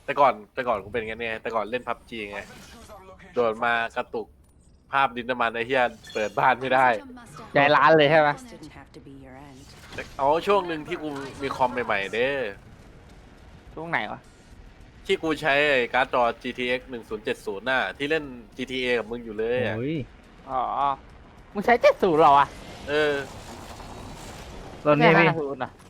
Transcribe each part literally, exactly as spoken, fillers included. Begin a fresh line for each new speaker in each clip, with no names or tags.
แต่ก่อนแต่ก่อนกูเป็นไงเนี่ยแต่ก่อนเล่นพับจีไงโดดมากระตุกภาพดินน้ำมันไอ้เหี้ยเปิดบ้านไม่ได้
ใจร้านเลยใช่ไหม
Didn't have to be your end.
แต่เอาช่วงหนึ่งที่กูมีคอมใหม่ๆเด้อ
ช่วงไหนวะ
ที่กูใช้ไอ้การ์ดจอ จี ที เอ็กซ์ หนึ่งศูนย์เจ็ดศูนย์น่ะที่เล่น จี ที เอ กับมึงอยู่เลยอะ
โอ้ย
อ๋อมึงใช้เจ็ดศูนย์หรอวะ
เออ
ตอนนี้พี่
ห้าศูนย์อ่ะ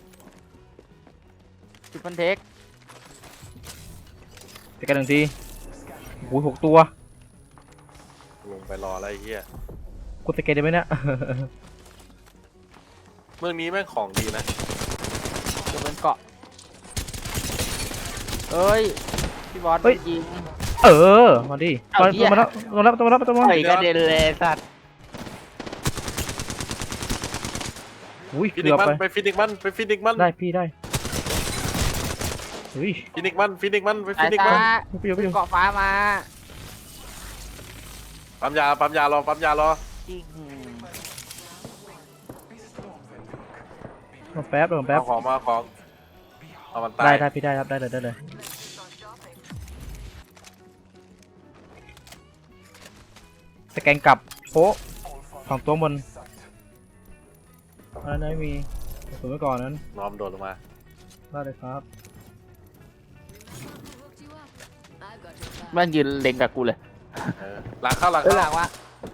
สิบพันเทค
ไปกันหนึ่งทีโอ้ยหกตัว
ลงไปรออะไรเหี้ย
กูสเก็ตได้ไหมเนี่ย
เมืองนี้แม่งของดีนะ
จะเป็นเกาะเอ้ยพี่บอสโดนยิง
เออมาดิ
เอา
มา
เหี้ย
มาแล้วมาแล้วมาแล้วมาแล้วมา
ต่อยกระเด็นเลยสัตว์
อุ้ย
ฟิ
เกื
นิก
อบ
มัน
ไป
ไปฟินิกมันไปฟินิกมัน
ได้พี่ได้อุ้ย
ฟินิกมันฟินิกมันไป
สา
ฟิ
ย
นิก
ตา
มัน
ไปอยู่ไปอยู่
เกาะฟ้ามา
ปั๊มยาปั๊มยารอปั๊มยารอ
ยิง
มาแป๊บมาแป๊บ
เอาของมาเอาของเอามันตาย
ได้ได้พี่ได้ครับได้เลยได้เลยสแกนกลับโป๊ะสองตัวบนอันนั้นมีตัวไว้ก่อนนั้น
นอมโดดลงมา
ได้เลยครับ
แม่งยืนเล็งกับกูเลย
เออหลังเข้าหลัง
เออ
เข้า
หลังวะ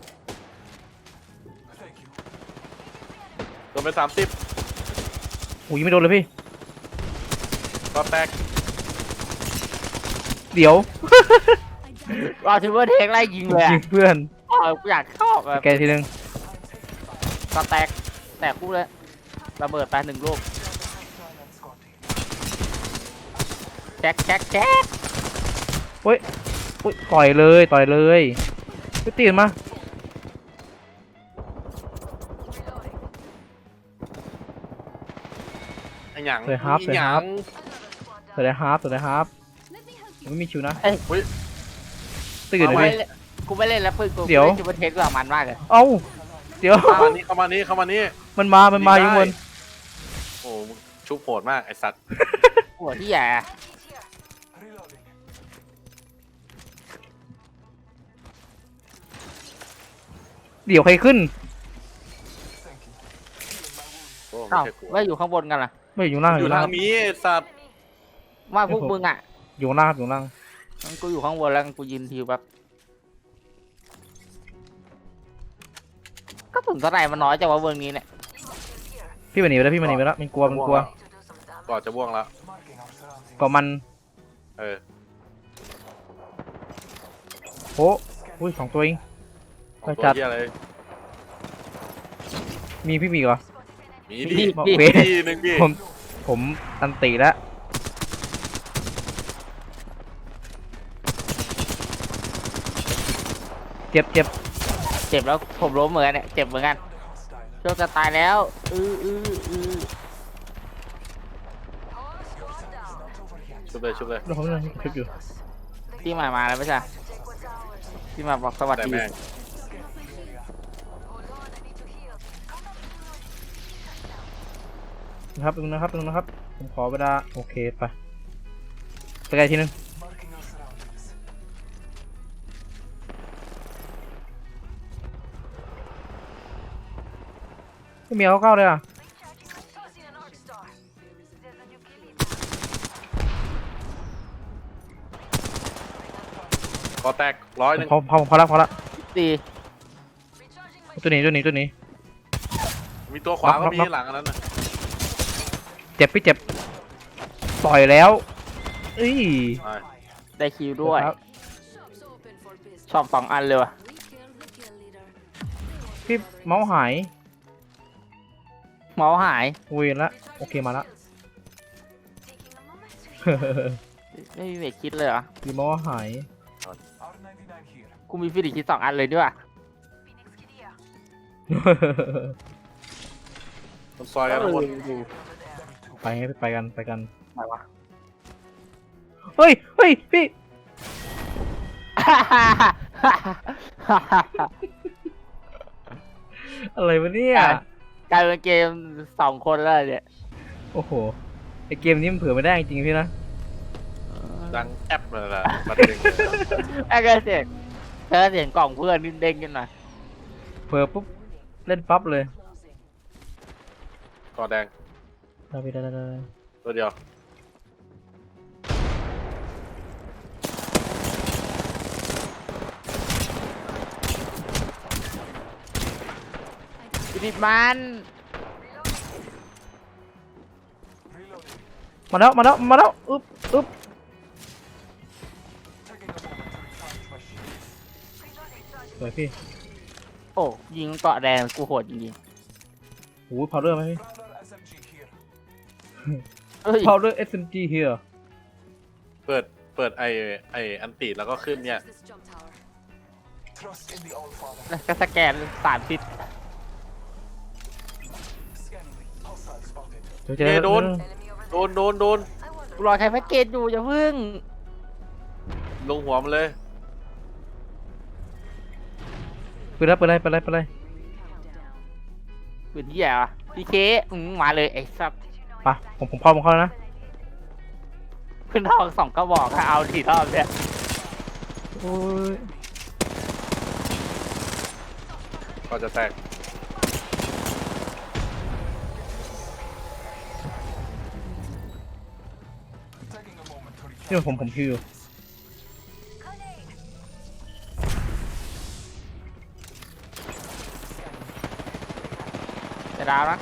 โดนไปสามสิบ
อุ้ยไม่โดนเลยพี่
ก็แตก
เดี๋ยว
รอทิเวอร์เทคไล่ยิงเลย
ยิ
อ่ะ
งเพื่อน
อ๋อกูอยากเข้าแบ
ส
บ
แกนทีนึง
สแตกแตกคู่เลยระเบิดไปหนึ่งลูกแจ็คแจ็คแจ็ค
อุ้ยต่อยเลยต่อยเลยไปตีนมา
ไอ้หยัง
เลยฮาร์ฟ
ไอ้
เลย
หยั
ฮาร์ฟ
ง
ตัวได้ฮาร์ฟตัวได้ฮาร์ฟยังไม่มีชิวนะ
เฮ้ย
ตื่นเล
กู
ย
ไม่
พี่
เล่นกูไม่เล่นแล้วปืนกู
เดี๋ยว
ทิเวอร์เทคกับมันมากเลย
เอ้าเดี๋ยว
เข้ามานี่เข้ามานี่เข้ามานี่
มันมามันมาอยู่บน
โอ้มึงชุบโหดมากไอ้สัตว์
หัวที่ใหญ่อะ
เดี๋ยวใครขึ้น
โอ้ไม่
เอ้า
ใช่กู
ไม่อยู่ข้างบนกันล่ะ
ไม่อยู่ล่างอ
อยู่
ยู่
ทา
ล่าง
งนี้ไอ้สัตว์
ว่าพวกมึงอ่ะ
อยู่ล่างอยู่ล่าง
งั้นกูอยู่ข้างบนแล้วงั้นกูยืนทิวแบบก็ถึงเท่าไหร่มันน้อยจังวะเมืองนี้เนี่ย
พี่มันหนีไปแล้วพี่มันหนีไปแล้วมันกลัวมันกลัว
ก่อนจะบ่วงแล้ว
ก่อมัน
เออ
โอ้อุ้ยสองตัวเอง
ของ
จั
ตัว
ด
เหี้ยอะไร
มีพี่มีเหรอ
มี
พี่
ดิ
พี่
เว้ย
ทีหนึ่งดิ
ผมผมตันติแล้วเจ็บเจ็บ
เจ็บแล้วผมล้มเหมือนกันเนี่ยเจ็บเหมือนกันโชคจะตายแล้วอืออืออือ
ชุบเลยชุบเลย
เราเขาไม่คลิปอยู่
ที่มามาแล้วไม่ใช่ที่มาบอกสวัส
แต่
ดี
แม่ง
นะครับตรงนะครับตรงนะครับผมขอเวลาโอเคไปสกายทีนึงไม่มีเอาเข้าเลยอ่ะ
ก็แตกร้อยหนึ่ง
พอพอพอละพอละ
ดี
ตัวนี้ตัวนี้ตัวนี้
มีตัวขวา
น็
ก็
อก
มี
น็อก
หลังอันนั้นน่ะ
เจ็บพี่เจ็บต่อยแล้วเอ้ย
อ่า
ได้คิวด้วย
ครับ
ชอบสองอันเลยว่ะ
พี่เมาส์หาย
เมาส์หาย
เวียนละโอเคมาละ
ไม่มีเมจคิดเลยเหรอ
พี่เมาส์หาย
กูมีฟิลิปคิดสองอันเลยด้วย
มันซอยกันทั้งหมด
ไปไงไปกันไปกัน
ไหนวะ
เฮ้ยเฮ้ยพี่อะไรวะเนี่ย
กลายเป็นเกมสองคนแล้วเนี่ย
โอ้โหไอเกมนี้มันเผื่อไม่ได้จริงๆพี่นะ
เออ
ดังแอปนั่นแหละมาดึง
ไอ้ก็เสียงเธอเสียงกล่องเพื่อนเด้งขึ้นมา
เผลอปุ๊บเล่นปั๊บเลย
กอแดง
ได้พี่ได้ได้ได้
ตัวเดียว
ปิดมัน
มาแล้วมาแล้วมาแล้วอึ๊บอึ๊บ สวยพี่
โอ้ยิงเกาะแดงกูโหดจริง
หูพาวเดอร์ไหมพี่
ๆเฮ้ย
พาวเดอร์ เอส เอ็ม จี here
เปิดเปิดไอไออันติแล้วก็ขึ้นเนี่ย
แล้วก็สแกนสารพิษ
เดี๋ยวเจอ
เจโดน โดนโดนโดน
กูรอใช้แพ็กเกจอยู่อย่าพึ่ง
ลงหัวมันเลย
ไปเลยไปเลยไปเลยไปเลย
ปืนที่ใหญ่อะพี่เคอืมมาเลยไอ้สับ
ไปผมผมเข้าผมเข้าแล้วนะ
ขึ้นทองสองกระบอกอะเอาสี่รอบเนี่ย
โอ้ย
ก็จะแตก
นี่ผมผมคิว
จะดาวนะ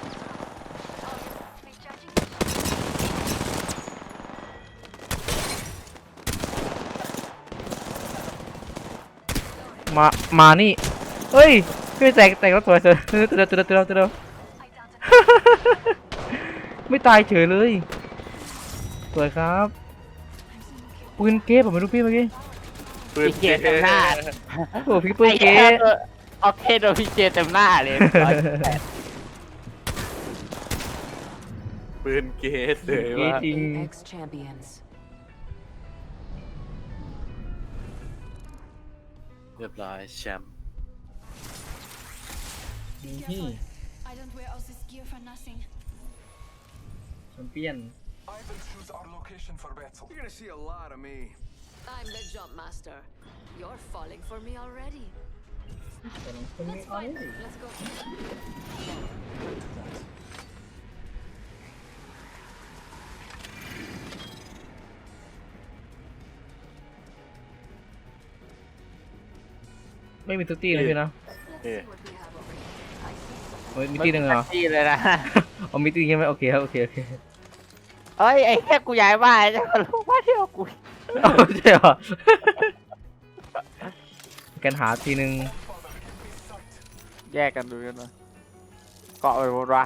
มา มานี่ เฮ้ย พี่แตกแตกแล้วสวยสวยตัวเดียวตัวเดียวตัวเดียวตัวเดียว ไม่ตายเฉยเลย สวยครับปืนเก๊ผมไม่รู้พี่เมื่อกี้
ปืน
พี่เกเต็มหน้า
โอ้พี่ปืนเก๊
ไอ้หี้ยโอเคโดนพี่เกเต็มหน้าเลย
ปืนเกสเลย
เก๊
ว่า
จริง
Apex champions.
เรียบร้อยแชมป์
นี่
I don't wear all this gear for nothing.
แชมเปี้ยน
I will choose our location for battle. You're gonna see a lot of me.
I'm the jump master. You're falling for me already.
Let's find them.
Let's go.
ไม่มีตุ๊ตี้เลยพี่นะ
Let's see what we have over here. I see.
โอ้ยมีตีหนึ่งเหรอ
ที่เลยนะ
เอามีตีใช่ไหมโอเคครับโอเคโอเค
เอ้ยไอ้แค่กูย้ายบ้านจะมาลูกบ้านเที่ยวกู
เอาใช่เหรอ กันหาทีหนึ่ง
แยกกันดูกันหน่อยเกาะไปหมดวะ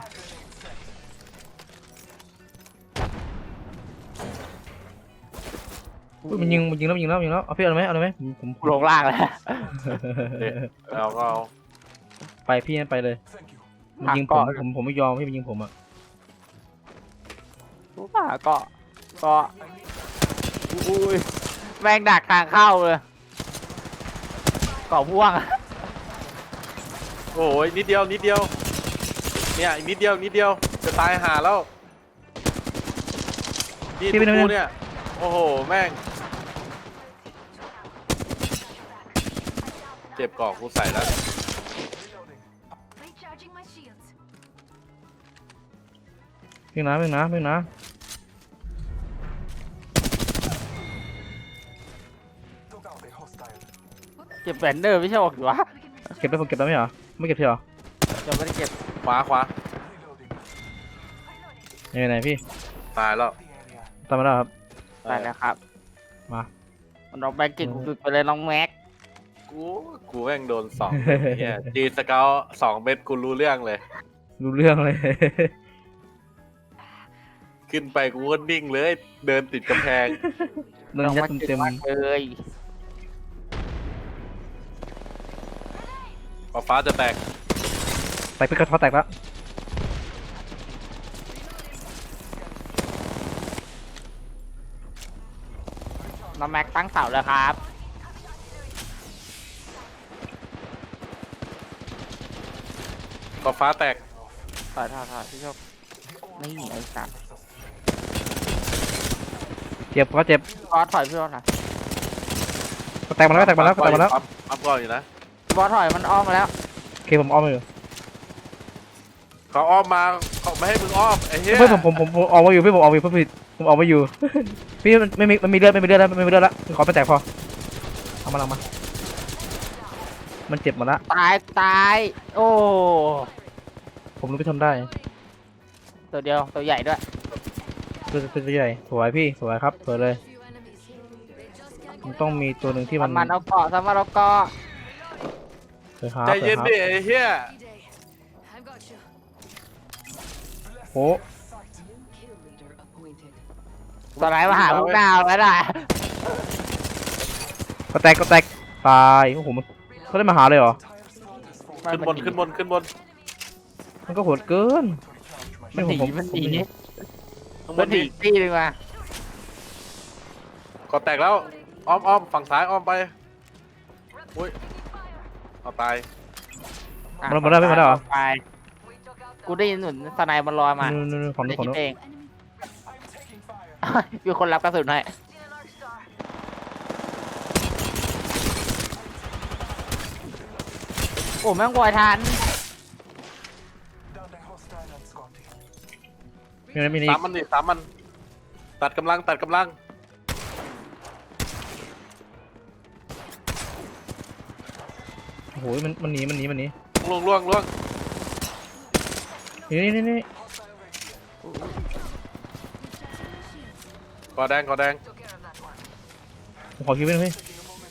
อุ๊ยมันยิงมันยิงแล้วมันยิงแล้วมันยิงแล้วเอาพี่เอาไหมเอาไหมผมผม
กูลงล่างแล้ว
เราก็เอา
ไปพี่นั่นไปเลย
Thank you.
มันยิงผมผมผมไม่ยอมพี่มันยิงผมอ่ะ
รู้ป่ะเกาะเกาะอุ้ยแม่งดักทางเข้าเลยเกาะพ่วงอะ
โอ้ยนิดเดียวนิดเดียว เนี่ยอีกนิดเดียวนิดเดียวจะตายหาแล้วนี่ตุ๊กเนี่ยโอ้โหแม่งเจ็บกอกกูใส่แล้ว
Recharging my shields.
เพิ่งนะเพิ่งนะเพิ่งนะ
Took out a hostile.
เก็บแบนเดอร์ไม่ใช่ออกอยู่วะ
เก็บได้ผมเก็บได้ไหมเหรอไม่เก็บเถอะ
จะไม่ได้เก็บ
ขวาขวา
Reloading.
ไหนไหนพี่
ตายแล้ว
The area.
ตามมาแล้วครับ
ไปแล้วครับ
มา
น้องแบงค์เก่งสุดไปเลยน้องแม็ก
กูกูแม่งโดนสองเนี่ยจีสเกลสองเม็ดกูรู้เรื่องเลย
รู้เรื่องเลย
ขึ้นไปกูก็นิ่งเลย เดินติดกำแพง
โดนยัดเต็ม
มากเลย
ฟ้าฟ้าจะแตก
ๆแตกไปกระท้อแตกแล้ว
น้องแม็กตั้งเสาแล้วครับ
ฟ้าฟ้าแตก
ถอยถอยถอยพี่โชคนี่ไอ้สัตว์
เจ็บก็เจ็บ
บอสถอยพี่บอสถอย
ก็แตกมาแล้วก็แตกมาแล้วก็แตกมาแล้ว
ปั๊มปั๊มก่อนอยู่นะ
บอสถอยมันอ้อมมาแล้ว
โอเคผมอ้อมมาอยู่
เขาอ้อมมาเขาไม่ให้มึงอ้อมไอ้เหี้ย
เพื่อนผมผมผมผมออกมาอยู่พี่ผมออกมาอยู่พี่ผมออกมาอยู่ พี่มันไม่มีมันมีเลือดไม่มีเลือดแล้วไม่มีเลือดแล้วขอไปแตกพอเอามาเอามามันเจ็บหมดละ
ตายตายโอ้
ผมรู้ไปทำได้
ตัวเดียวตัวใหญ่ด้วย
ตัวตัวใหญ่สวยพี่สวยครับสวยเลย
Few enemies. They just can't
มัน
get
ต้องมีตัวหนึ่งที่มัน
มันเอาเกาะซะมาเอาเกาะ
สวยครับ
ใจ
สวย
เย็น
ครับ
ดิไอ้เหี้ย
every day. I've got you.
โอ้
New kill leader appointed.
ตัวไหนมาหาพวกดาวแล้วได้
ก็แตกก็แตกตายโอ้โหมันเขาได้มาหาเลยเหรอ
ขึ้นบนขึ้นบนขึ้นบน
มันก็โหดเกิน
มันหนี
ผม
มันหนี
ข้างบ
มัน
น
หนี
นี่
ตีเลยมา
ก็แตกแล้วอ้อมอ้อมฝั่งซ้ายอ้อมไปอุ้ยเอาตาย
อ่ะ
มันมันได้ไม่มันได้เหรอ
ไปกูได้ยินหนุนสไนมันลอยมา
นู่นนู่นนู่นของนู้นของนู้น
เองมีคนรับกระสุนให้โอ้แม่งวอยทัน
Down the hostile and Scotty.
มีอะไรมีอะไรอี
สาก มมันดิสามมันตัดกำลังตัดกำลัง
โอ้โหมันมันหนีมันหนีมันหนี
ล่วงล่วงล่วง
นี่นี่นี่
กอแดงกอแดง
ผมขอคิวไว้หน่อยพี่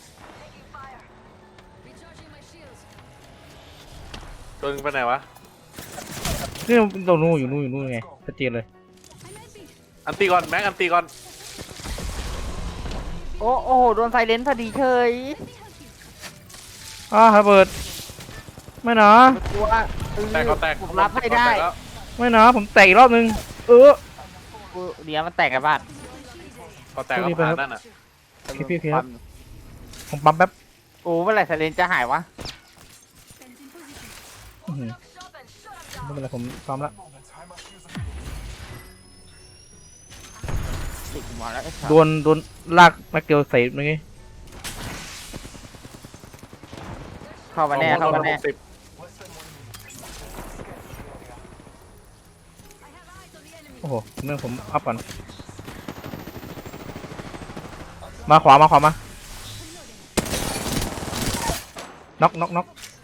Recharging my shields.
ตัวนึงไปไหนวะ
นี่เรานู่นอยู่นู่นอยู่นู่นไงชัดเจนเลย
อันตีก่อนแม็กอันตีก่อน
โอ้โอ้โหโดนไซเลนพอดีเฉย
อ้าระเบิดไม่นะ
กลัว
แตกก็แตก
ผมรับให้ได้
แตกแล้ว
ไม่นะผมแตกอีกรอบนึงเออ
กูเดี๋ยวมันแตกกันบ้าน
ก็แตกแล้วผ่านนั่นอ่ะ
โอเคพี่โอเคครับผมปั๊มแป๊บ
โอ้เมื่อไหร่ไซเลนจะหายวะ
อื้อหือไม่เป็นไรผมปั๊มละ
Moments, I must use a
ติดหัวแล้วไอ้สัส
โดนโดนลากแม็กเกลใส่เมื่อกี้
เข้ามาแน่เข้ามาแน่
หกสิบ
โอ้โหเรื่องผมอัพก่อนมาขวามาขวามาน็อกน็อกน็อก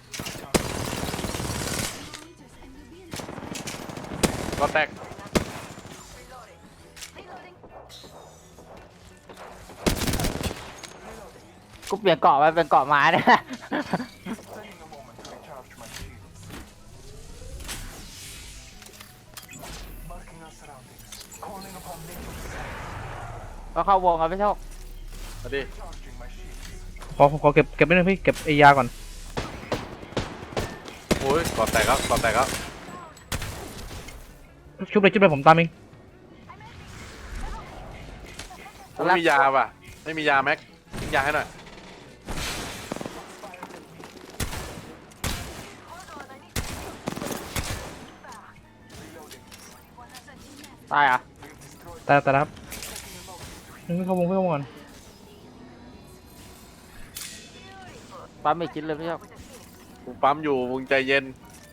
ก็แตก
กูเปลี่ยนเกาะไปเป็นเกาะไม้เนี่ย
taking a moment to recharge my shields. Marking our surroundings. Calling upon nature.
ก็เข้าวงกันพี่โชค
มาดิ
Charging my shields.
ขอขอเก็บเก็บไว้หน่อยพี่เก็บไอ้ยาก่อน
โอ้ยกอแตกแล้วกอแตกแล้ว
ชุบเลยชุบเลยผมตามเอง
ไม่มียาป่ะไม่มียาแม็กทิ้งยาให้หน่อย
ตายอ่ะ
แต่แต่ละครับนึกเข้าวงเข้าวงก่อน
ปั๊มไม่คิดเลยพี่โชค
กูปั๊มอยู่มึงใจเย็น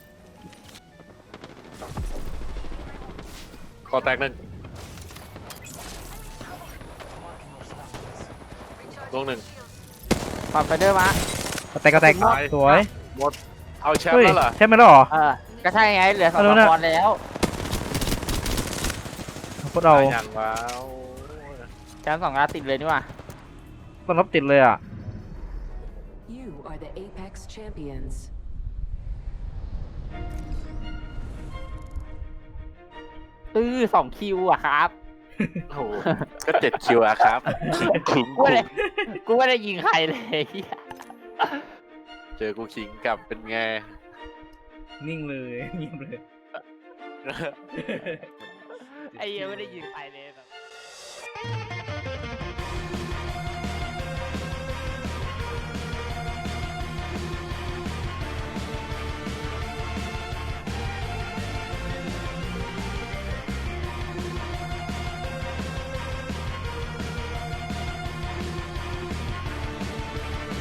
กอแตกหนึ่งลงหนึ่ง
ปั๊มไปเด้อมา
ก็แตกก็แตก
ตาย
สวย
หมดเอาแชมป์
เฮ้ย
แล้วเหรอ
ใช่ไหมล่ะเหรอ
เออก็ใช่ไงเหลือสอง
เอาแล้วนะ
ปอนด์แล้ว
พวกเรา
ตายอย่างว้าว
แชมป์สองนัดติดเลยนี่หว่า
ต้องรับติดเลยอ่ะ
You are the Apex champions.
ตื้อสองคิวอ่ะครับ
โอ้โหก็เจ็ดคิวอะครับคุ้ม
กูไม่ได้กูไม่ได้ยิงใครเลยเหี้ย
เจอกูขิงกลับเป็นไง
นิ่งเลยเงียบเลย
ไอ้เหี้ยไม่ได้ยิงใครเลย